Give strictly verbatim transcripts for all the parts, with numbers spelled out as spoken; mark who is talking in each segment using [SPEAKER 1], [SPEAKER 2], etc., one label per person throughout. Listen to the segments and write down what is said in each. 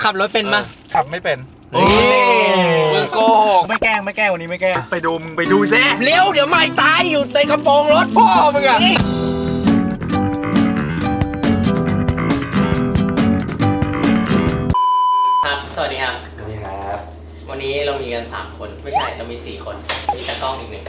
[SPEAKER 1] ขับรถเป็นปะ
[SPEAKER 2] ขับไม่เป็นมึงโกหกไม่แกล้งไม่แกล้งวันนี้ไม่แกล้งไปดูมึงไปดูซิ
[SPEAKER 1] เร็วเดี๋ยวไม่ตายอยู่ในกระโปรงรถพ่อมึงอะครับสวัสดีครับ
[SPEAKER 2] สวัสดีครับ
[SPEAKER 1] วันนี้เรามีกันสามคนไม่ใช่เรามีสี่คนมีตากล้องอีกหนึ่ง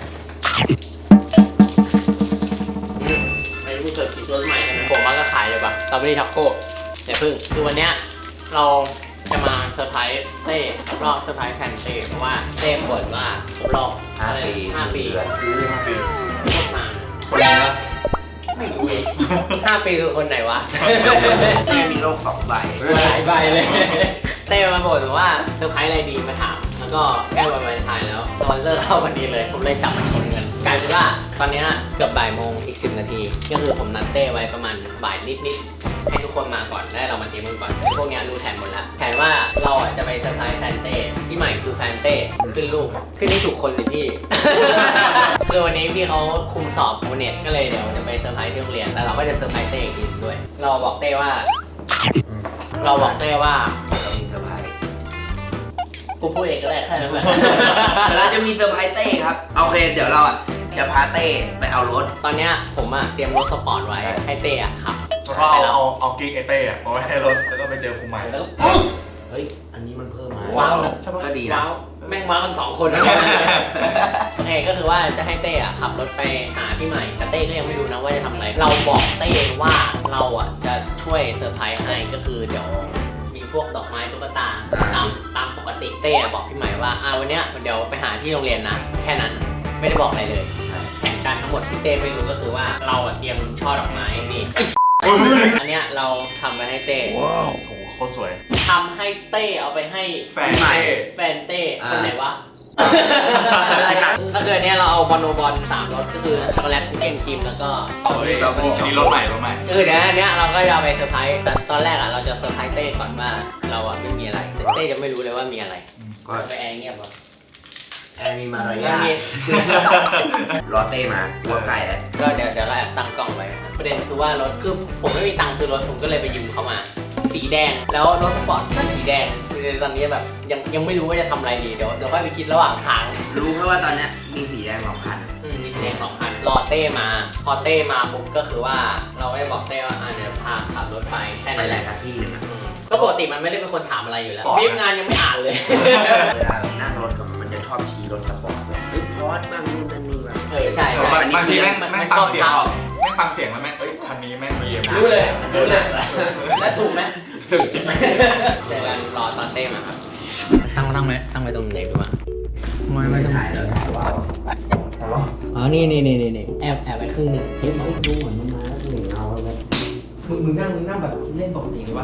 [SPEAKER 1] อืมไม่รู้เกิดคิดรถใหม่ใช่ไหมผมว่าก็ขายเลยปะสตรอเบอรี่ช็อกโก้อย่าพึ่งคือวันเนี้ยเราจะมาเซอร์ไพรส์เต้รอบเซอร์ไพรส์แฟนเต้เพราะว่าเต้บ่นว่าครบรอบห้าปีห้าปี
[SPEAKER 2] ห้าปี
[SPEAKER 1] โคตรนาน
[SPEAKER 2] คนนี้นะ
[SPEAKER 1] ไม่รู้เลยห้าปีคือคนไหนวะ
[SPEAKER 3] เต้มีโลกสองใบ
[SPEAKER 1] หลายใบเลยเต้มาบ่นว่าเซอร์ไพรส์อะไรดีมาถามแล้วก็แก้วันวาเลนไทน์แล้วสปอนเซอร์เข้าพอดีเลยผมเลยจับมันชนกันกลายเป็นว่าตอนนี้เกือบบ่ายโมงอีกสิบนาทีก็คือผมนัดเต้ไว้ประมาณบ่ายนิดๆให้ทุกคนมาก่อนได้เรามาเตรียมกันก่อนพวกนี้รู้แผนหมดแล้วแผนว่าเราจะไปเซอร์ไพรส์แฟนเต้พี่ใหม่คือแฟนเต้ขึ้นลูกขึ้นที่ถูกคนเลยพี่ คือวันนี้พี่เขาคุมสอบโมเน็ตก็เลยเดี๋ยวจะไปเซอร์ไพรส์ที่โรงเรียนแต่เราก็จะเซอร์ไพรส์เต้อีกทีด้วยเราบอกเต้ว่าเราบอกเต้ว่า
[SPEAKER 3] เรามีเซอร์ไพรส์
[SPEAKER 1] กูพูดเองก็ได้แค่นั้นแหละ
[SPEAKER 3] เราจะมีเซอร์ไพรส์เต้ครับโอเคเดี๋ยวเราจะพาเต้ไปเอารถ
[SPEAKER 1] ตอนเนี้ยผมอะเตรียมรถสปอร์ตไว้ให้เต้อะขับ
[SPEAKER 2] แล้วก็เอาเอากิ๊กไอเต้อะเอาไว้ให้รถแล้วก็ไปเจอครูใหม่
[SPEAKER 1] แล้ว
[SPEAKER 3] เฮ้ยอันนี้มันเพิ่มมา
[SPEAKER 1] ว้าว
[SPEAKER 3] ก็ดีนะ
[SPEAKER 1] แม่งมากันสองคนโอเคก็คือว่าจะให้เต้อะขับรถไปหาพี่ใหม่แต่เต้ก็ยังไม่รู้นะว่าจะทำอะไรเราบอกเต้ว่าเราอะจะช่วยเซอร์ไพรส์ให้ก็คือเดี๋ยวมีพวกดอกไม้ตุ๊กตาตามตามปกติเต้บอกพี่ใหม่ว่าอ่าวันเนี้ยเดี๋ยวไปหาที่โรงเรียนนะแค่นั้นไม่ได้บอกอะไรเลยแผนการทั้งหมดที่เต้ไม่รู้ก็คือว่าเราอะเตรียมช่อดอกไม้นี่อันเนี้ยเราทำไว้ให้เต้
[SPEAKER 2] ว้าวโหโคตรสวย
[SPEAKER 1] ทำให้เต้เอาไปให้
[SPEAKER 2] แฟนเต้
[SPEAKER 1] แฟนเต้คนไหนวะก็คือเนี้ยเราเอาบอลโนบอลสามรสก็คือช็อกโกแลตคุกกี้ครีมแล้วก็
[SPEAKER 2] สตรอเบอรี่ช็อกโกแลตมีรสใหม่รสใหม่
[SPEAKER 1] คือเดี๋ยวอันเนี้ยเราก็จะไปเซอร์ไพรส์แต่ตอนแรกอะเราจะเซอร์ไพรส์เต้ก่อนว่าเราอะไม่มีอะไรเต้จะไม่รู้เลยว่ามีอะไรก็ไปแอร์เงียบวะ
[SPEAKER 3] แอร์มีมารยาทรอเต้มาหัวไก่แล้ว
[SPEAKER 1] ก็เดี๋ยวเดี๋ยวเราแอบตั้งกล้องไว้ประเด็นคือว่ารถคือผมไม่มีตังค์ซื้อรถผมก็เลยไปยืมเขามาสีแดงแล้วรถสปอร์ตก็สีแดงคือตอนนี้แบบยังยังไม่รู้ว่าจะทำอะไรดีเดี๋ยวเดี๋ยวค่อยไปคิดระหว่างทาง
[SPEAKER 3] รู้แค่ว่าตอนนี้มีสีแดงสองคัน
[SPEAKER 1] อืมมีสีแดงสองคันรอเต้มาพอเต้มาปุ๊บก็คือว่าเราได้บอกเต้ว่าอ่าเดี๋ยวพาขับรถไปแค่นั้นแหละ
[SPEAKER 3] ที่หนึ่ง
[SPEAKER 1] ก็ปกติมันไม่ได้เป็นคนถามอะไรอยู่แล้วรีบงานยังไม่อ่านเลย
[SPEAKER 3] เวลานั่งรถกับมันจะชอบชี้รถสปอร์ตเลยเฮ้ยพอดบ้างนู่นนั่นนี่บ้าง
[SPEAKER 1] เออใช่ใช่
[SPEAKER 2] บางทีแม่งแม่งฟังเสียงออกแม่งฟังเสียงแล้วแม่งเอ้ยคันนี้แม่งมี
[SPEAKER 1] รู้เลยรู้เลยแล้วถูกไหมเจอกันรอตอนเต้มาครับตั้งตั้งไว้ตั้งไว้ตรงไหนดูวะไม่ไม่ต้อง
[SPEAKER 3] ถ่ายแล้วถ่ายว่า
[SPEAKER 1] อ๋อนี่นี่นี่นี่แอบแอบไว้ครึ่งหนึ่งเฮ้ยมันดูเหมือนมันมาแล้วหนึ่งเอาแล้วมึงมึงนั่งมึงนั่งแบบเล่นปกติเลยวะ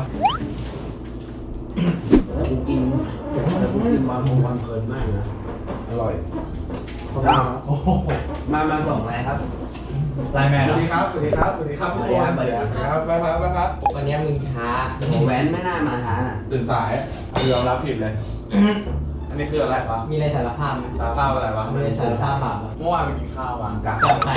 [SPEAKER 3] แล้วกูกินแล้วกูกินวันโมงวันเพลินมากนะอร่อยโอ้โหมามาส่งอะไรครับ
[SPEAKER 2] ไลน์แมนสวัสดีครับสวัสดีครับสวัสดีครับทุกคนสวัสดีครับไปครับไปครับ
[SPEAKER 1] วันนี้มึงช้า
[SPEAKER 3] โหแว้นไม่น่ามาช้าน่ะ
[SPEAKER 2] ตื่นสายยอมรับผิดเลยอันนี้คืออะไรวะ
[SPEAKER 1] มีอะไรสารภาพไหม
[SPEAKER 2] สารภาพอะไรวะ
[SPEAKER 1] ไม่ได้สารภาพบาป
[SPEAKER 2] เมื่อวานไปกินข้าววางกัน
[SPEAKER 1] กับใคร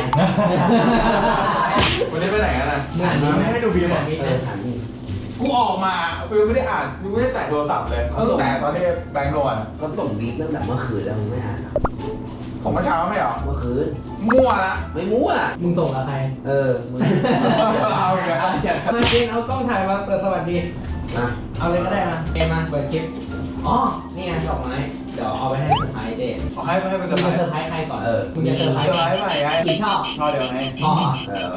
[SPEAKER 2] วันนี้ไปไหนกันนะไม่ให้ดูบีมหรอ
[SPEAKER 3] เออถามนี่
[SPEAKER 2] กูออกมาฟิวไม่ได้อ่านฟิวไม่ได้แต่โทรศัพท์เลยตั้งแต่ตอนที่แบงค์โนน
[SPEAKER 3] เขาส่งบีบตั้งแต่เมื่อคืนแล้วมึงไม่อ่าน
[SPEAKER 2] ของเมื่อเช้าไม่หรอ
[SPEAKER 3] เมื่อคืน
[SPEAKER 2] มั่วละ
[SPEAKER 3] ไม่มั่ว
[SPEAKER 1] มึงส่งกับใคร
[SPEAKER 3] เออมึง
[SPEAKER 2] เอาอย่างเงี้ย
[SPEAKER 1] มาเกณเอากล้องถ่ายมาเปิดสวัสดีเอาเลยก็ได้มาเกมมาเปิดคลิปอ๋อนี่ไงดอกไม้เดี๋ยวเอาไปให้เซอร์ไพรส์เด็ก
[SPEAKER 2] เอาให้ให้เป็นเซอร์ไพรส์
[SPEAKER 1] ใครก่อน
[SPEAKER 3] เออ
[SPEAKER 1] มึงจะเซอร์ไพรส์
[SPEAKER 2] ใหม่ไง
[SPEAKER 1] กี่ชอบ
[SPEAKER 2] ชอบเดียวไง
[SPEAKER 1] ชอบ
[SPEAKER 2] เออ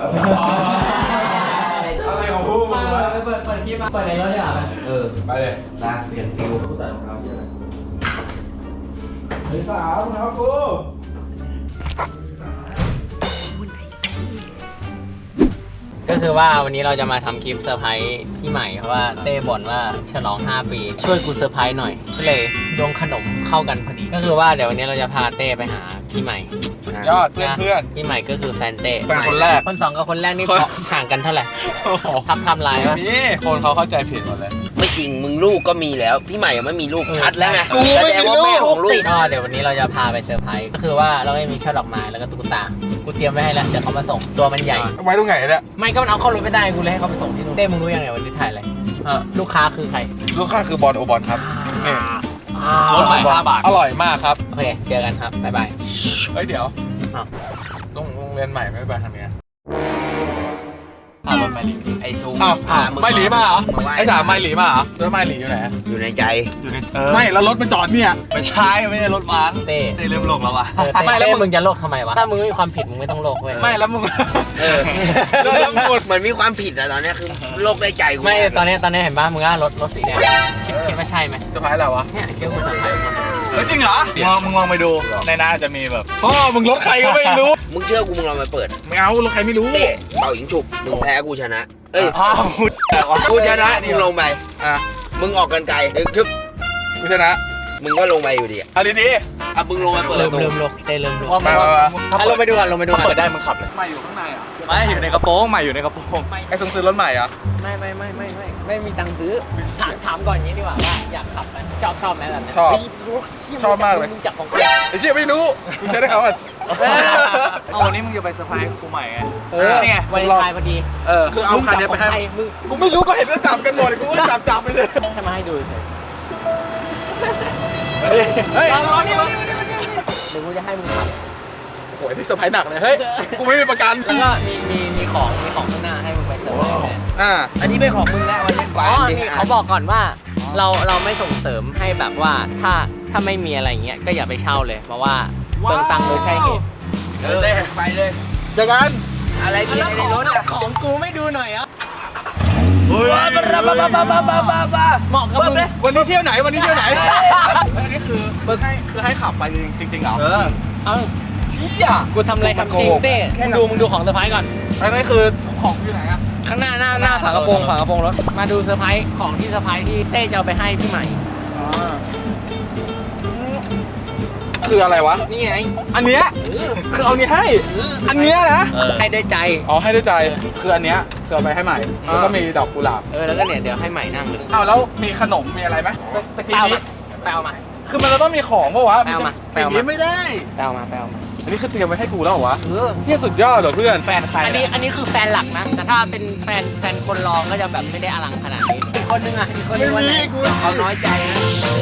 [SPEAKER 2] อะไรของพวกมึงวะ
[SPEAKER 1] เปิดเปิดคลิปมาเปิดในรถดีกว่า
[SPEAKER 3] เออ
[SPEAKER 2] ไปเลย
[SPEAKER 3] นะเปลี่ยนฟิล
[SPEAKER 2] กูใส่รองเท้าเยอะเฮ้ยสาวรองเท้ากู
[SPEAKER 1] ก็คือว่าวันนี้เราจะมาทำคลิปเซอร์ไพรส์พี่ใหม่เพราะว่าเต้บ่นว่าฉลองห้าปีช่วยกูเซอร์ไพรส์หน่อยก็เลยโยงขนมเข้ากันพอดีก็คือว่าเดี๋ยววันนี้เราจะพาเต้ไปหาพี่ใหม่
[SPEAKER 2] ยอดเพื่อนเพื่อน
[SPEAKER 1] พี่ใหม่ก็คือแฟนเต้
[SPEAKER 2] เป็นคนแรก
[SPEAKER 1] คนสองกับคนแรกนี่ห่างกันเท่าไหร่ทำทำลายวะ
[SPEAKER 2] นี่คนเขาเข้าใจผิดหมดเลย
[SPEAKER 3] ไม่จริงมึงลูกก็มีแล้วพี่ใหม่ยังไม่มีลูกชัดแล้วไง
[SPEAKER 1] กูไม่มีลูกก็เดี๋ยววันนี้เราจะพาไปเซอร์ไพรส์ก็คือว่าเราไม่มีช่อดอกไม้แล้วก็ตุ๊กตากูเตรียมไว้ให้แล้วเดี๋ยวเขามาส่งตัวมันใหญ่
[SPEAKER 2] ไว้ตรงไหนเนี่ย
[SPEAKER 1] ไม่ก็มันเอาเข้ารถไม่ได้กูเลยให้เขาไปส่งที่นู่นเต้มึงรู้ยังไงวันนี้ถ่ายอะไร
[SPEAKER 2] อ่ะ
[SPEAKER 1] ลูกค้าคือใคร
[SPEAKER 2] ลูกค้าคือบอลโอบอลครับนี่
[SPEAKER 1] รถใหม่ห้าบาท
[SPEAKER 2] อร่อยมากครับ
[SPEAKER 1] โอเคเจอกันครับบ๊ายบาย
[SPEAKER 2] เฮ้ยเดี๋ยว
[SPEAKER 1] อ้าว
[SPEAKER 2] โรงโรงเรียนใหม่ไม่ไปทางเนี้ยอ่ะรถไม่หลี
[SPEAKER 3] ไอ้ซูง
[SPEAKER 2] อ้าว
[SPEAKER 3] อ่ะง
[SPEAKER 2] ไม่หลีมาเหรอ
[SPEAKER 3] มาไหว้
[SPEAKER 2] ไอ้สามไม่หลีมาเหรอแล้วไม่หลีอยู่ไหน
[SPEAKER 3] อยู่ในใจ
[SPEAKER 4] อยู่ใน
[SPEAKER 2] ไม่แล้วรถมันจอดเนี่ย
[SPEAKER 4] ไม่ใช่ไม่ใช่รถมัน
[SPEAKER 1] เต้
[SPEAKER 4] ได้เริ่มโลกแล้ววะ
[SPEAKER 1] เออ
[SPEAKER 2] ไม่
[SPEAKER 1] ไม่
[SPEAKER 2] แล้
[SPEAKER 1] แล้ว ว
[SPEAKER 2] มึง
[SPEAKER 1] มึงจะโลกทำไมวะถ้ามึงไม่มีความผิดมึงไม่ต้องโลกเว้ย
[SPEAKER 2] ไม่แล้วมึง
[SPEAKER 3] เออ
[SPEAKER 2] แล้วแล้วมึง
[SPEAKER 3] เหมือนมีความผิดอะตอนเนี้ยคือโลกได้ใจกู
[SPEAKER 1] ไม่ตอนนี้ตอนนี้เห็นป่ะมึงว่ารถรถสีแดงคิดคิดว่าใช่ไหม
[SPEAKER 2] จะพายอะไรวะ
[SPEAKER 1] เนี่ยเกี่ยวกับสาย
[SPEAKER 2] เฮ้ยจริงเหรอ
[SPEAKER 4] มึงลองมึงลองไปดูในหน้าจะมีแบบ
[SPEAKER 2] พ่อมึงรถใครก็ไม่รู้
[SPEAKER 3] มึงเชื่อกูมึงลองมาเปิด
[SPEAKER 2] ไม่เอารถใครไม่รู้
[SPEAKER 3] เต้เป่ายิงฉุบมึงแพ้กูชนะ เอ้ย
[SPEAKER 4] อ้าวพูดแต่ว่า
[SPEAKER 3] กูชนะมึงลงไปอ่ะมึงออกกันไกลดึกทึบ
[SPEAKER 2] กูชนะ
[SPEAKER 3] มึงก็ลงไปอยู่ดีอ่ะ
[SPEAKER 2] เอาดี
[SPEAKER 3] อ่ะมึงลงมาเปิดป
[SPEAKER 1] เริ่ม
[SPEAKER 3] ระตู
[SPEAKER 1] เริ่มโลกเต้เริ่มโลก
[SPEAKER 4] ว่า
[SPEAKER 2] ไปไปไป
[SPEAKER 4] ถ้า
[SPEAKER 1] อ่ะล
[SPEAKER 4] เปิ
[SPEAKER 1] ง
[SPEAKER 4] ด
[SPEAKER 1] ไปดูกันลงไปดู
[SPEAKER 4] ถ้า
[SPEAKER 1] กัน
[SPEAKER 4] เปิดได้มึงขับเลย
[SPEAKER 2] ๆมาอยู่ข้างในอ่ะ
[SPEAKER 4] ไม่อยู่ในกระโปรงไม่อยู่ในกระโปรง
[SPEAKER 1] ไม่
[SPEAKER 2] ไอ้ทรงซื้อรถใหม่เหรอ่ะ
[SPEAKER 1] ไม่ไม่ไม่ไม่ไม่ไม่มีตังค์ซื้อถามถามก่อนอย่างนี้ดีกว่าว่าอยากขับไหมชอบชอบไหมแบบนี้
[SPEAKER 2] ชอบ
[SPEAKER 1] เฮ้ยรู้ที่
[SPEAKER 2] ชอบมากเลย
[SPEAKER 1] มึงจับของกู
[SPEAKER 2] ไอ้เชี่ยไม่รู้กูใช้ได้เขาอ่ะ
[SPEAKER 4] เอาวันนี้มึงจะไปเซอร์ไพรส์ครูใหม่ไง
[SPEAKER 1] เออ
[SPEAKER 4] นี่ไง
[SPEAKER 1] วันไทายพอดี
[SPEAKER 2] เออคือเอาคันเนี้ยไปให้
[SPEAKER 1] มึง
[SPEAKER 2] กูไม่รู้ก็เห็นว่าจับกันหมดกูก็จับจับไปเลย
[SPEAKER 1] แค่มาให้ดูเฉย
[SPEAKER 2] เฮ้ยเอารถมา
[SPEAKER 1] หรือกูจะให้มึงขับ
[SPEAKER 2] โอ้โหนี่เซอร์ไพรส์หนักเลยเฮ้ยกูไม่มีประกัน
[SPEAKER 1] แล้วก็มีมีมีของมีของข้างหน้าให้มึงไปเซอร์ไพรส์แทน
[SPEAKER 2] อ่า
[SPEAKER 3] อันนี้เป็นของมึงแล้ววันนี้ก
[SPEAKER 1] อ๋
[SPEAKER 3] ว่า
[SPEAKER 1] อ
[SPEAKER 3] ดิ
[SPEAKER 1] นี่เขาบอกก่อนว่าเราเราไม่ส่งเสริมให้แบบว่าถ้าถ้าไม่มีอะไรอย่างเงี้ยก็อย่าไปเช่าเลยเพราะว่าเปลืองตังค์โดยใช่เหตุ
[SPEAKER 3] เออไปเลย
[SPEAKER 2] เจอกัน
[SPEAKER 3] อะไรมีอะไรในรถอ่ะ
[SPEAKER 1] ของกูไม่ดูหน่อยอ่ะ
[SPEAKER 4] เฮ้ย
[SPEAKER 1] เหมาะกับมึง
[SPEAKER 2] วันนี้เที่ยวไหนวันนี้เที่ยวไหนอันนี้คือคือให้คือให้ขับไปจริงจริงๆเหรอ
[SPEAKER 4] เออ
[SPEAKER 1] เอ้า
[SPEAKER 2] เชี่ย
[SPEAKER 1] กูทำอะไรทำจริงเต้มึงดูมึงดูของเซอร์ไพรส์ก่อน
[SPEAKER 2] อันนี้คือของอยู่ไหนอ่ะ
[SPEAKER 1] ข้างหน้าหน้าหน้าฝากระโปรงฝากระโปรงรถมาดูเซอร์ไพรส์ของที่เซอร์ไพรส์ที่เต้จะเอาไปให้พี่ใหม่
[SPEAKER 2] คืออะไรวะ
[SPEAKER 1] นี่ไง
[SPEAKER 2] อันเนี้ยคือเอานี้ให้ อันเนี้ยนะ
[SPEAKER 4] เออ
[SPEAKER 1] ให้ด้วยใจ
[SPEAKER 2] อ๋อให้ด้วยใจ คืออันเนี้ยคือเอาไปให้ใหม่ แล้วก็มีดอกกุหลาบ
[SPEAKER 1] เออแล้วก็เนี่ยเดี๋ยวให้ใหม่นั่งเลย
[SPEAKER 2] อ้าวแล้วมีขนมมีอะไรไหมตะ
[SPEAKER 1] ไป
[SPEAKER 2] กี้
[SPEAKER 1] เอา
[SPEAKER 2] นี้
[SPEAKER 1] มาไปเอามา
[SPEAKER 2] คือมันจะต้องมีของปะวะ
[SPEAKER 1] ไปเอามา
[SPEAKER 2] ไปเอามาไม่ได้
[SPEAKER 1] ไปเอามาไปเอามา
[SPEAKER 2] อันนี้คือเตรียมไว้ให้กูแล้วเหรอวะ
[SPEAKER 1] เออ
[SPEAKER 2] เนี่ยสุดยอดเหรอเพื่อน
[SPEAKER 4] แฟนใคร
[SPEAKER 1] อันนี้อันนี้คือแฟนหลักนะแต่ถ้าเป็นแฟนแฟนคนรองก็จะแบบไม่ได้อลังขนาดนี้อีกคนนึงอ่ะอีกคนนึงวันไหน
[SPEAKER 3] เขาน้อยใจนะ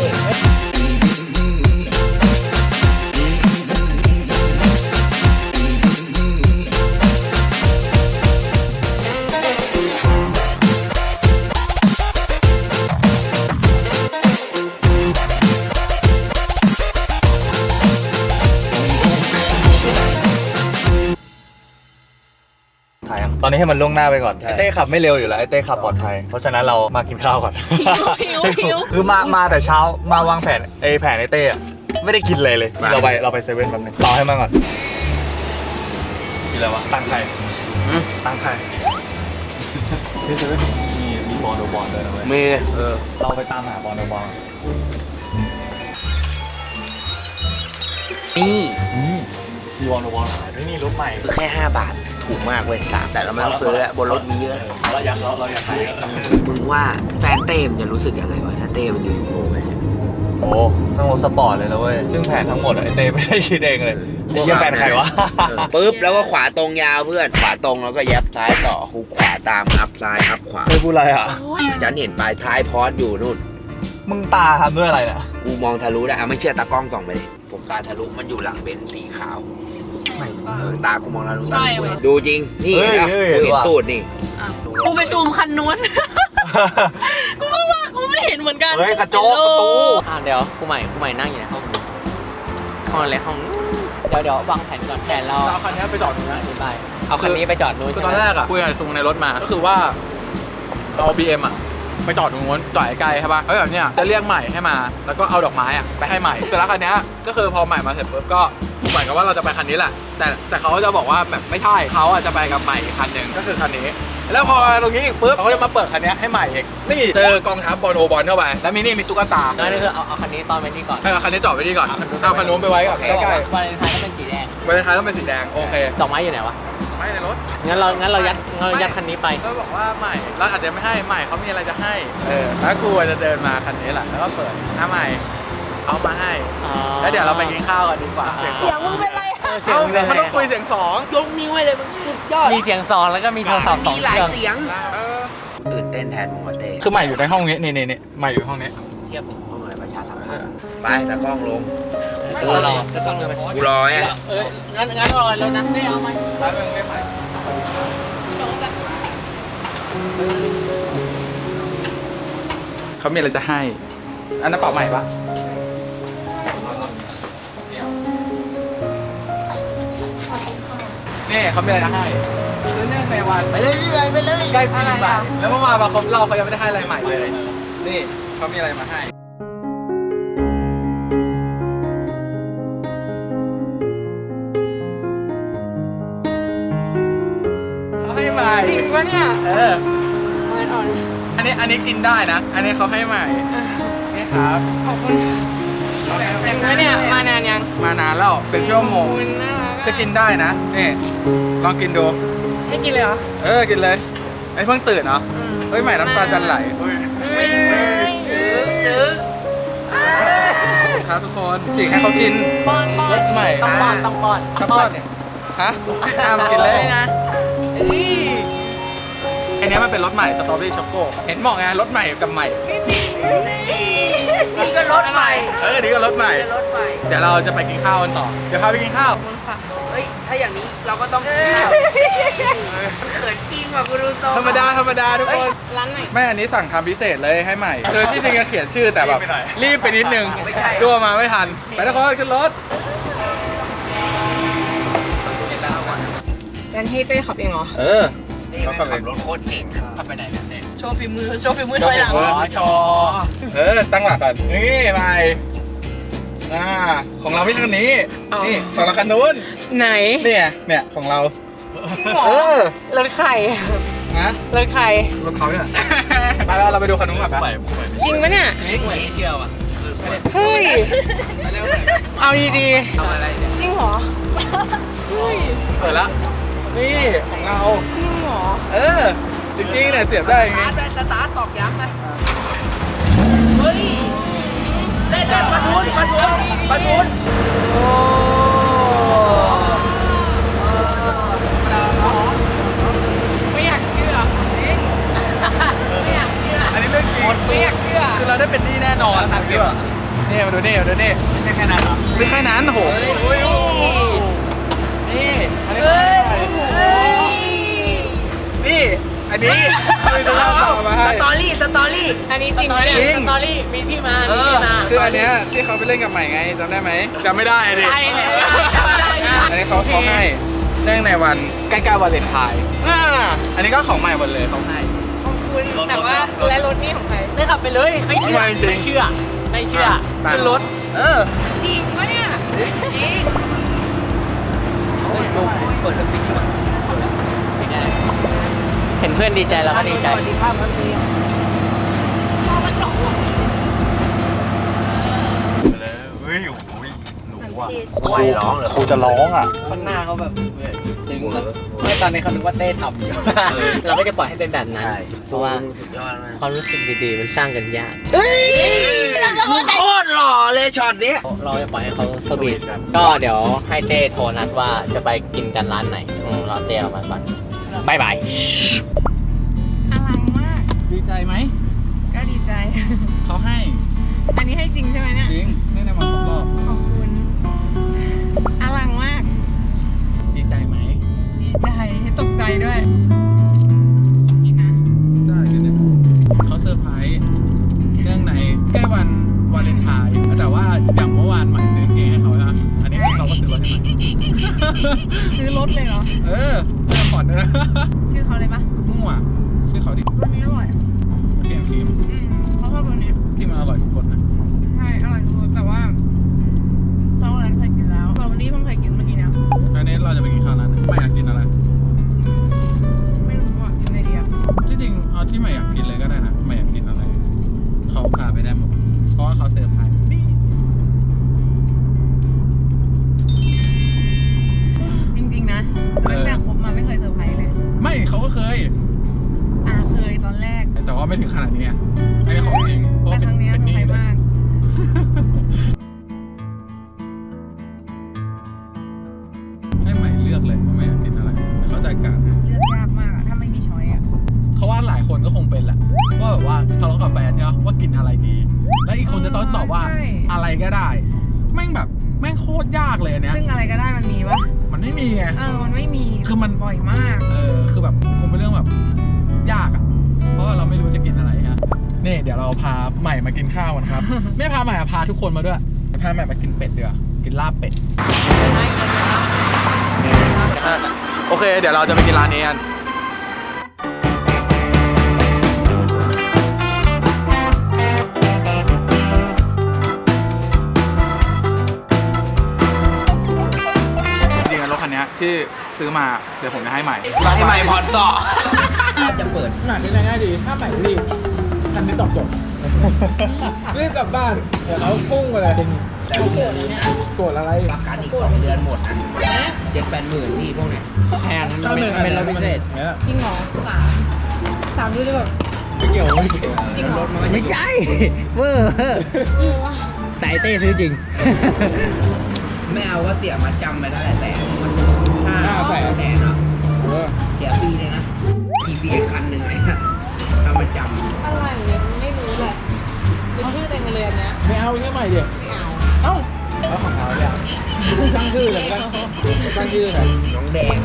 [SPEAKER 4] ถ่ายยังตอนนี้ให้มันล่วงหน้าไปก่อนไอเต้ขับไม่เร็วอยู่แล้วไอเต้ขับปลอดภัยเพราะฉะนั้นเรามากินข้าวก่อน
[SPEAKER 1] หิวหิว
[SPEAKER 4] คือมามาแต่เช้ามาวางแผนไอแผนไอเต้อะไม่ได้กินเลยเลยนี่เราไปเราไปเซเว่นแป๊บนึงรอให้มาก่อนกินอะไรวะตังค์ใคร
[SPEAKER 3] อืม
[SPEAKER 4] ตังค์ใครที่เซเว่นมีมีบอลโดบอลเลยนะเว้ย
[SPEAKER 3] มีเออ
[SPEAKER 4] เราไปตามหาบอลโดบอล
[SPEAKER 3] นี่
[SPEAKER 4] นี่มีบอลโดบอลหายไม่มีรถใหม่
[SPEAKER 3] คือแค่ห้าบาทถูกมากเว้ยสามแต่เราไม่ต้องซื้อแล้วบนรถมีเยอะ
[SPEAKER 4] เราอยากเราเราอยากขาย
[SPEAKER 3] มึงว่าแฟนเต้มนจะรู้สึกยังไงวะถ้าเต้มันอยู่ยูโรไหม
[SPEAKER 4] โอ้นั่งรถสปอร์ตเลยนะเว้ยซึ่งแผนทั้งหมดอะไอเต้ไม่ได้คิดเองเลยไอ้เหี้ยแฟนใครวะ
[SPEAKER 3] เออปุ๊บแล้วก็ขวาตรงยาวเพื่อนขวาตรงแล้วก็ยับซ้ายต่อหุกขวาตามอัพซ้ายอัพขวา
[SPEAKER 4] ไม่พูดอะไรอ่ะ
[SPEAKER 3] ฉันเห็นปลายท้ายพอสอยู่นู่น
[SPEAKER 4] มึงตาทำด้วยอะไรเนี่ย
[SPEAKER 3] กูมองทะลุได้อ่ะไม่เชื่อตากล้องส่องไปดิผมตาทะลุมันอยู่หลังเบนซ์สีขาวเออตากูมองทะลุ
[SPEAKER 5] ใช่
[SPEAKER 3] กู
[SPEAKER 5] ว่ะ
[SPEAKER 3] เห็นดูจริงนี่
[SPEAKER 4] เฮ้ย
[SPEAKER 3] นะ
[SPEAKER 4] เฮ้ย
[SPEAKER 3] กูเห็น
[SPEAKER 4] ว่ะ
[SPEAKER 3] ตูดนี่
[SPEAKER 5] อ่ะกูไปซูมคันนู้น กูก็ว่ากูไม่เห็นเหมือนกัน
[SPEAKER 4] เฮ้ยกระจกประตู
[SPEAKER 1] อ่าเดี๋ยวครูใหม่ครูใหม่นั่งอยู่ในห้องนู้นห้องอะไรห้องนู้นเดี๋ยวเดี๋ยววางแผนก่อนแผนเรา
[SPEAKER 2] เราเอาคันนี้ไปจอดตรงนั้น
[SPEAKER 1] อธิบายเอาคันนี้ไปจอดนู้น
[SPEAKER 2] คือ
[SPEAKER 1] ใช่
[SPEAKER 2] ต
[SPEAKER 1] ไห
[SPEAKER 2] อ
[SPEAKER 1] ม
[SPEAKER 2] นแรกอะคุยกับซุงในรถมา ก็คือว่าเอา บี เอ็ม อะไปจอดตรงนู้นจอดไกลๆใช่ป่ะเฮ้ยแบบเนี้ยจะเรียกใหม่ให้มา แล้วก็เอาดอกไม้อะไปให้ใหม่เสร็จแล้วคันเนี้ยก็คือพอใหม่มาเสร็จปุ๊บก็เหมือนกับว่าเราจะไปคันนี้แหละ แต่แต่เขาจะบอกว่าแบบไม่ใช่เขาอะจะไปกับใหม่อีกคันหนึ่งก็คือคันนี้ แล้วพอตรงนี้อีกปุ๊บเขาก็จะมาเปิดคันเนี้ยให้ใหม่อีกนี่เจอกองทัพบอลโอบอลเข้าไปแล้วมีนี่มีตุ๊กตา
[SPEAKER 1] นั่นก็คือเอาเอาคันนี้ซ่อนไว้ที่ก่อน
[SPEAKER 2] ให้เอาคันนี้จอดไว้นี่ก่อนเอาคันนู้นไปไว้ก่อน
[SPEAKER 1] โอเค
[SPEAKER 2] ใกล้
[SPEAKER 1] วาเลนไทน์ก็เป็นสีแดง
[SPEAKER 2] ๆวาเลนไทน์ต้องเป็นสีแดงโอเค
[SPEAKER 1] ดอกไม้อยู่ไหนวะ
[SPEAKER 2] ไม่ในรถ
[SPEAKER 1] งั้นเรางั้นเรายัดงั้นเรายัดคันนี้ไป
[SPEAKER 2] ก็บอกว่าใหม่เราอาจจะไม่ให้ใหม่เขามีอะไรจะให้เออแล้วกูจะเดินมาคันนี้แหละแล้วก็เปิดหน้าใหม่เอามาให้
[SPEAKER 1] อ๋อ
[SPEAKER 2] แล้วเดี๋ยวเราไปกินข้าวกันดีกว่าเสียงส
[SPEAKER 5] เสี
[SPEAKER 2] อย
[SPEAKER 5] ง
[SPEAKER 2] ง
[SPEAKER 5] มึงเป็นไรอะ
[SPEAKER 1] เสีย
[SPEAKER 2] เอ้าง
[SPEAKER 1] เป็น
[SPEAKER 2] มัน
[SPEAKER 1] ไง
[SPEAKER 2] ต้องคุยเสียงสอง
[SPEAKER 3] ยกนิ้วให้เลยมึงสุดยอด
[SPEAKER 1] มีเสียงซองแล้วก็มีโทรศัพท์สอง
[SPEAKER 3] มี
[SPEAKER 1] เค
[SPEAKER 3] หลาย
[SPEAKER 1] รื่อง
[SPEAKER 3] เสียง
[SPEAKER 2] เออ
[SPEAKER 3] ตื่นเต้นแทนมึงวะเต้
[SPEAKER 2] คือใหม่อยู่ในห้องนี้นี่นี่นี่ใหม่อยู่ห้องนี้
[SPEAKER 1] เทียบดิ
[SPEAKER 3] ห้องไหนประชาสัมพันธ์ไปตากล้องลง
[SPEAKER 1] ไม่ต้องรอจะต้องเดินไป
[SPEAKER 3] กูรอไง
[SPEAKER 1] เอองั้นงั้นรอแล้วนะได้เอาไหม
[SPEAKER 2] แล้วมึงไม่ใหม่เขามีอะไรจะให้ อันนั้นเป่าใหม่ปะนี่เขามีอะไรจะให้เนื่องในวัน
[SPEAKER 3] ไปเลยพี่ไปไปเลย
[SPEAKER 2] ใกล้ปีใหม่แล้วเมื่อวานมาครบรอบเขายังไม่ได้ให้อะไรใหม่เลย นี่เขามีอะไรมาให้เขาให้ใหม่
[SPEAKER 5] จริงปะเนี่ย
[SPEAKER 2] เออ
[SPEAKER 5] เงินอ่อน
[SPEAKER 2] อันนี้อันนี้กินได้นะ อันนี้เขาให้ใหม่ นี่ครับ
[SPEAKER 5] ขอบคุณจริงปะเนี่ยมานานยัง
[SPEAKER 2] มานานแล้วเป็นชั่วโม
[SPEAKER 5] ขอบ
[SPEAKER 2] ง
[SPEAKER 5] คุณน่ารัก
[SPEAKER 2] จะกินได้นะ นี่ ลองกินดู
[SPEAKER 5] ให้กินเลยเหรอ
[SPEAKER 2] เออ กินเลย ไอ้เพิ่งตื่นเนาะ
[SPEAKER 5] อืม
[SPEAKER 2] เฮ้ย ใหม่น้ำตาจะไหล
[SPEAKER 5] ไม่ไม่ซื้อซื้อ
[SPEAKER 2] ครับทุกคนจิกให้เขากิน
[SPEAKER 5] ป้อนป้อน
[SPEAKER 2] รสใหม่
[SPEAKER 1] ต้องป้อนต้องป้อน
[SPEAKER 2] ข้าวป้อนเนี่ยฮะห้ามกินเลย
[SPEAKER 5] นะ
[SPEAKER 2] อันนี้มันเป็นรสใหม่สตรอเบอรี่ช็อกโกเห็นบอกไงรสใหม่กับใหม่
[SPEAKER 5] นี่ก็รถใหม่
[SPEAKER 2] เออนี่ก็รสใหม่
[SPEAKER 5] รถใหม่
[SPEAKER 2] เดี๋ยวเราจะไปกินข้าวกันต่อ เดี๋ยวพาไปกินข้าว
[SPEAKER 5] ขอบคุณค่ะ
[SPEAKER 6] เฮ้ย ถ้าอย่างนี้เราก็ต้องมันเขินจริงว่ะกูดูโต
[SPEAKER 2] ธรรมดาธรรมดาทุกคน
[SPEAKER 5] ร้านไหน
[SPEAKER 2] แม่อันนี้สั่งทำพิเศษเลยให้ใหม่คือที่จริงจะเขียนชื่อแต่แบบรีบไปนิดนึง
[SPEAKER 6] ไม่ใช่
[SPEAKER 2] กลัวมาไม่ทัน ไปทุกคนขึ้นรถ
[SPEAKER 5] งั้นให้เต้ขับเองเหรอ
[SPEAKER 2] เออ
[SPEAKER 3] นี่มันขับรถโคตรเก่งอะ
[SPEAKER 1] ขับไปไหนกันเนี่ย
[SPEAKER 5] โชว์ฝีมือ โชว์ฝีมือถอยหลัง
[SPEAKER 2] อ๋อชอเออ ตั้งหลักก่อน นี่ไปอ่าของเราไม่ใช่คันนี้ นี่ของเราคันนู้น
[SPEAKER 5] ไหน
[SPEAKER 2] เนี่ยเนี่ยของเรา
[SPEAKER 5] จริงเหรอ
[SPEAKER 2] เออ
[SPEAKER 5] รถใคร
[SPEAKER 2] นะ
[SPEAKER 5] รถใคร
[SPEAKER 2] รถเขาเนี่ย ไปแล้วเราไปดูคันนู้นก่อนไป
[SPEAKER 5] จริงปะเนี่ย
[SPEAKER 1] นี่กูไม่เชื่อว่ะ
[SPEAKER 5] เฮ้ย
[SPEAKER 2] ไปเร็ว
[SPEAKER 5] เอาดี
[SPEAKER 1] ทำอะไรเนี่ย
[SPEAKER 5] ๆ จริงเหรอ เฮ้ย
[SPEAKER 2] เปิดละนี่ของเรา
[SPEAKER 5] จริงเหรอ
[SPEAKER 2] เออ จริงๆเนี่ยเสียบได้อย่าง
[SPEAKER 6] ส
[SPEAKER 2] งี้
[SPEAKER 6] ตาร์ทเลยสตาร์ทตอกย้ำเลยเฮ้ยเต้นเต้นมาทุนมาทุนมาทุน
[SPEAKER 5] ไม่อยากเชื่อ
[SPEAKER 2] อันนี้เรื่องจริง
[SPEAKER 5] ไม่อยากเชื่อ
[SPEAKER 2] คือเราได้เป็นหนี้แน่นอนตังค์เยอะนี่มาดูนี่มาดูนี่ไม่ใช่แค่นั้นหรอไม่แค่นั้นโอ้โหนี่อันนี้นี่อันนี้คือจะเล่าต่อมาให้
[SPEAKER 6] สตอรี่สตอรี่
[SPEAKER 5] อันนี้จริงปะเนี่ย
[SPEAKER 2] จริง
[SPEAKER 1] สตอรี่มีที่มา
[SPEAKER 6] เอ
[SPEAKER 1] มี
[SPEAKER 6] อ
[SPEAKER 1] ที่มา
[SPEAKER 2] คืออันเนี้ยที่เขาไปเล่นกับใหม่ไงจำได้ไหมจำไม่ได้ดิ
[SPEAKER 5] ใช่เลย
[SPEAKER 2] อันนี้เขาเขาให้เนื่องในวันใกล้ๆวาเลนไทน์อ่าอันนี้ก็ของใหม่หมดเลยเขาให้
[SPEAKER 5] ขอบคุณ แต่ว่าและรถนี่ของใคร
[SPEAKER 1] ได้ขับไปเลยไม่เชื่อ
[SPEAKER 2] ไม่จริง
[SPEAKER 1] ไม่เชื่อไม่เชื่อ
[SPEAKER 2] ไป
[SPEAKER 1] ขึ้นรถ
[SPEAKER 2] เออ
[SPEAKER 5] จริงปะเนี่ย
[SPEAKER 6] จริง
[SPEAKER 1] เปิดสติ๊กดีกว่าไม่ได้เห็นเพื่อนดีใจเราก็ดีใจ
[SPEAKER 6] สวัสดีภาพครับพี่
[SPEAKER 4] เฮ้ยโอ้ยหนูอ่ะ
[SPEAKER 3] ครูร้องเหรอ
[SPEAKER 4] ครูจะร้องอ่ะ
[SPEAKER 1] คนหน้าเขาแบบจริงเลยไม่ตอนนี้เขาคิดว่าเต้ทำอยู่ เราก็จะปล่อยให้เป็นแบบนั้น
[SPEAKER 3] ใช่
[SPEAKER 1] เพราะว่า
[SPEAKER 3] มึงสุดยอดมาก
[SPEAKER 1] ความรู้สึกดีๆมันสร้างกันยาก
[SPEAKER 6] เฮ้ยมึงโคตรหล่อเลยช็อตเนี้ย
[SPEAKER 1] เราจะปล่อยให้เขาสวีทก็เดี๋ยวให้เต้โทรนัดว่าจะไปกินกันร้านไหนอืมรอเต้ออกมาก่อนบายบาย
[SPEAKER 5] อลังมาก
[SPEAKER 2] ดีใจไหม
[SPEAKER 5] ก็ดีใจ
[SPEAKER 2] เขาให้
[SPEAKER 5] อันนี้ให้จริงใช่ไหมเนี่ย
[SPEAKER 2] จริงเนื่องในวันครบรอบ
[SPEAKER 5] ขอบคุณอลังมาก
[SPEAKER 2] ดีใจไหม
[SPEAKER 5] ดีใจให้ตกใจด้วยกินนะ
[SPEAKER 2] ได้เดี๋ยวนี้เขาเซอร์ไพรส์เนื่องในใกล้วันวาเลนไทน์แต่ว่าอย่างเมื่อวานใหม่ซื้อเกงให้เขานะอันนี้เราก็ซื้อรถให้ใหม่
[SPEAKER 5] ซื้อรถเลยเหรอ
[SPEAKER 2] เออเริ่มผ่อนด้วยนะ
[SPEAKER 5] ชื่อเขาเลยปะ
[SPEAKER 2] มั่วชื่อเขาดิ
[SPEAKER 5] รถนี้อร่อย
[SPEAKER 2] เปลี่ยนทีม
[SPEAKER 5] อืมเขาชอบรถนี้
[SPEAKER 2] ที่มันอร่อยทุกคนนะ
[SPEAKER 5] ใช่อร่อยทุกแต่ว่าช็อกโกแลตเคยกินแล้วสตรอเบอรี่เพิ่งเคยกินเมื่อกี้เนี่ย
[SPEAKER 2] อันนี้เราจะไปกินข้าวร้านไหนไม่อยากกินอะไร
[SPEAKER 5] ไม่รู้ว่ากินอะไรดีอ่ะ
[SPEAKER 2] ที่จริงเอาที่ไม่อยากกินเลยก็ได้นะไม่อยากกินอะไรเขาพาไปได้หมดเพราะว่าเขาเซอร์ไพรส์นี่
[SPEAKER 5] จริงๆนะตั้งแต่คบมาไม่เคยเซอร์ไพรส์เลย
[SPEAKER 2] ไม่เขาก็เคย
[SPEAKER 5] อ่าเคยตอนแรก
[SPEAKER 2] แต่ว่าไม่ถึงขนาดนี้ไงอันนี้ของจริงเพราะ
[SPEAKER 5] แต่
[SPEAKER 2] ว่าเป็นอะไรก็ได้ แม่งแบบแม่งโคตรยากเลยอันเนี้ย
[SPEAKER 5] ซึ่งอะไรก็ได้มันมีวะ
[SPEAKER 2] มันไม่มีไง
[SPEAKER 5] เออมันไม่มี
[SPEAKER 2] คือมัน
[SPEAKER 5] บ่อยมาก
[SPEAKER 2] เออคือแบบคงเป็นเรื่องแบบยากอ่ะ เพราะว่าเราไม่รู้จะกินอะไรฮะนี่เดี๋ยวเราพาใหม่มากินข้าวกันครับ ไม่พาใหม่อะพาทุกคนมาด้วยพาใหม่มากินเป็ดดีกว่ากินลาบเป็ดโอเค เดี๋ยวเราจะไปกินร้านนี้กันจริงๆรถคันนี้ที่ซื้อมาเดี๋ยวผมจะให้ใหม่
[SPEAKER 3] ให้ใหม่ผ่อนต่อจะเปิด
[SPEAKER 2] หนาที่ง่ายดีถ้าใหม่รีบคันนี้ตอบโจทย์รีบกลับบ้านเดี๋ยวเราพุ่งไปเลย
[SPEAKER 3] แต่เดือนนี้นะ
[SPEAKER 2] โกรธอะไร
[SPEAKER 3] ประกันอีกสองเดือนหมดนะเจ็ดแปดหมื่นพี่พวกเนี้ย
[SPEAKER 1] แพงมันเป็นเป็นรถพิเศษ
[SPEAKER 5] จริงเหรอสามสามดูจะแบบ
[SPEAKER 2] ไม่เกี่ยวไม่เกี่ยว
[SPEAKER 5] จริงเหรอ
[SPEAKER 3] มันจะอยู่
[SPEAKER 1] เวอร์สายเต้ซื้อจริง
[SPEAKER 3] ไม่เอาก็เสียมาจำไปได้แต่มัน
[SPEAKER 2] ห้าแสน
[SPEAKER 3] แสนเนาะ
[SPEAKER 2] เออ
[SPEAKER 3] เสียปีเลยนะ พี บี เอ็กซ์ คันหนึ่งเลยนะทำมาจำ
[SPEAKER 5] อะไรเนี่ยไม่รู้แหละเป็นชื่อเต็มกันเลยอันเนี้ย
[SPEAKER 2] ไม่เอาแค่ใหม่เดียว
[SPEAKER 5] ไม่เอา
[SPEAKER 2] เอ้าแล้วของเราเนี่ยตั้งชื่อเลยก็ได้ตั้งชื่อเลย
[SPEAKER 3] น้องแดง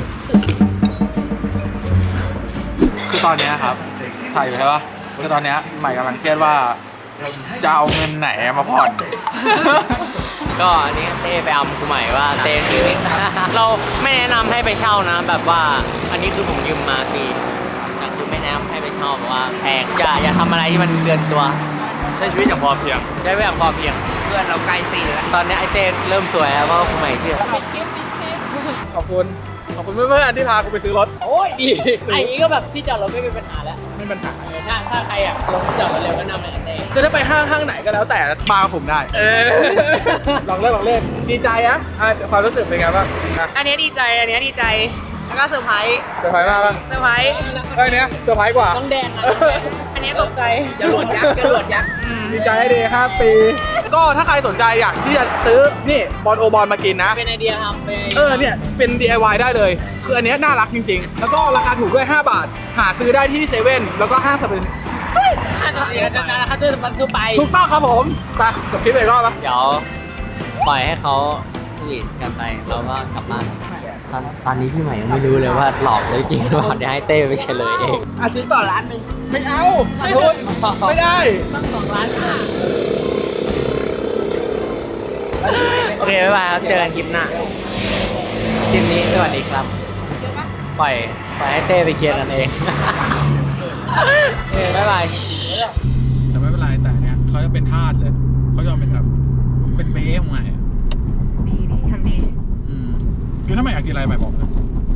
[SPEAKER 2] คือตอนนี้ครับถ่ายอยู่ใช่ปะคือตอนนี้ใหม่กำลังเครียดว่าจะเอาเงินไหนมาผ่อน
[SPEAKER 1] ก็อันนี้เต้ไปอำกูใหม่ว่าเต้ซื้อ เราไม่แนะนำให้ไปเช่านะ แบบว่าอันนี้คือผมยืมมาฟรีแต่คือไม่แนะนำให้ไปเช่าเพราะว่าแพงอย่าอย่าทำอะไรที่มันเกินตัว
[SPEAKER 4] ใช้ชีวิตอย่างพอเพียง
[SPEAKER 1] ได้ไปอย่างพอเพียง
[SPEAKER 3] เพื่อนเราใกล้ปีแล้ว
[SPEAKER 1] ตอนนี้ไอเต้เริ่มสวยแล้วเพราะว่ากูใหม่เชื่อ
[SPEAKER 2] ขอบคุณขอบคุณเพื่อนๆที่พากูไปซื้อรถ
[SPEAKER 1] โอ้ยดีไอ้นี้ก็แบบที่จอดรถไม่เป็นปัญหาแล้ว
[SPEAKER 2] ไม่เป็นปัญหา
[SPEAKER 1] เออถ้าถ้าใครอ่ะลงที่จอดรถเร็วก็นำไปกับเต้
[SPEAKER 2] จะได้ไปห้างห้างไหนก็แล้วแต่มากับผมได้ เออ ลองเล่นลองเล่นดีใจอะอ่ะความรู้สึกเป็นไงบ้างอ่ะ
[SPEAKER 5] อันเนี้ยดีใจอันเนี้ยดีใจแล้วก็เซอร์ไพรส์
[SPEAKER 2] เซอร์ไพรส์มากบ้าง
[SPEAKER 5] เซอร์ไพรส์
[SPEAKER 2] เอ้ยเนี้ยเซอร์ไพรส์กว่า
[SPEAKER 1] ต้องแดงอ่ะต้องแดง
[SPEAKER 5] อันเนี้ยตกใจ
[SPEAKER 3] จรวดยักษ์จรวดยักษ์
[SPEAKER 2] ดีใจให้ดีห้าปี ก็ถ้าใครสนใจอยากที่จะซื้อนี่บอลโอบอลมากินนะ
[SPEAKER 1] เป็นไอเดียครับเป็นไอ
[SPEAKER 2] เอ
[SPEAKER 1] เดีย
[SPEAKER 2] อเนี่ยเป็น ดี ไอ วาย ได้เลย คืออันเนี้ยน่ารักจริงๆ แล้วก็ราคาถูกด้วยห้าบาท หาซื้อได้ที่เซเว่นแล้วก็ห้างสรรพสินค้า
[SPEAKER 1] ถ้าจะเสียจะจะถ้าจะมันคือไป
[SPEAKER 2] ถูกต้องครับผมไปจบคลิปไปอีกรอบปะ
[SPEAKER 1] เดี๋ยวปล่อยให้เขาสวีทกันไปเราก็กลับบ้านตอนตอนนี้พี่ใหม่ยังไม่รู้เลยว่าหลอกเลยจริงหรือเปล่าเดี๋ยวให้เต้ไปเฉลยเอง
[SPEAKER 3] อ่ะซื้อต่อร้านหนึ่ง
[SPEAKER 2] ไม่เอาขาดทุนไม่ได้
[SPEAKER 1] ต้องสองล้านห้าโอเคบ๊ายบายครับเจอกันคลิปหน้าคลิปนี้สวัสดีครับปล่อยปล่อยให้เต้ไปเคลียร์กันเอง เออบ๊ายบาย
[SPEAKER 2] แต่ไม่เป็นไรแต่เนี้ยเขาจะเป็นทาสเลย เขาจะเป็นแบบเป็นเบ้ของใหม่อะ
[SPEAKER 5] ดีดีทำดี
[SPEAKER 2] อืมคือถ้าไม่อยากกินอะไรใหม่บอกเลย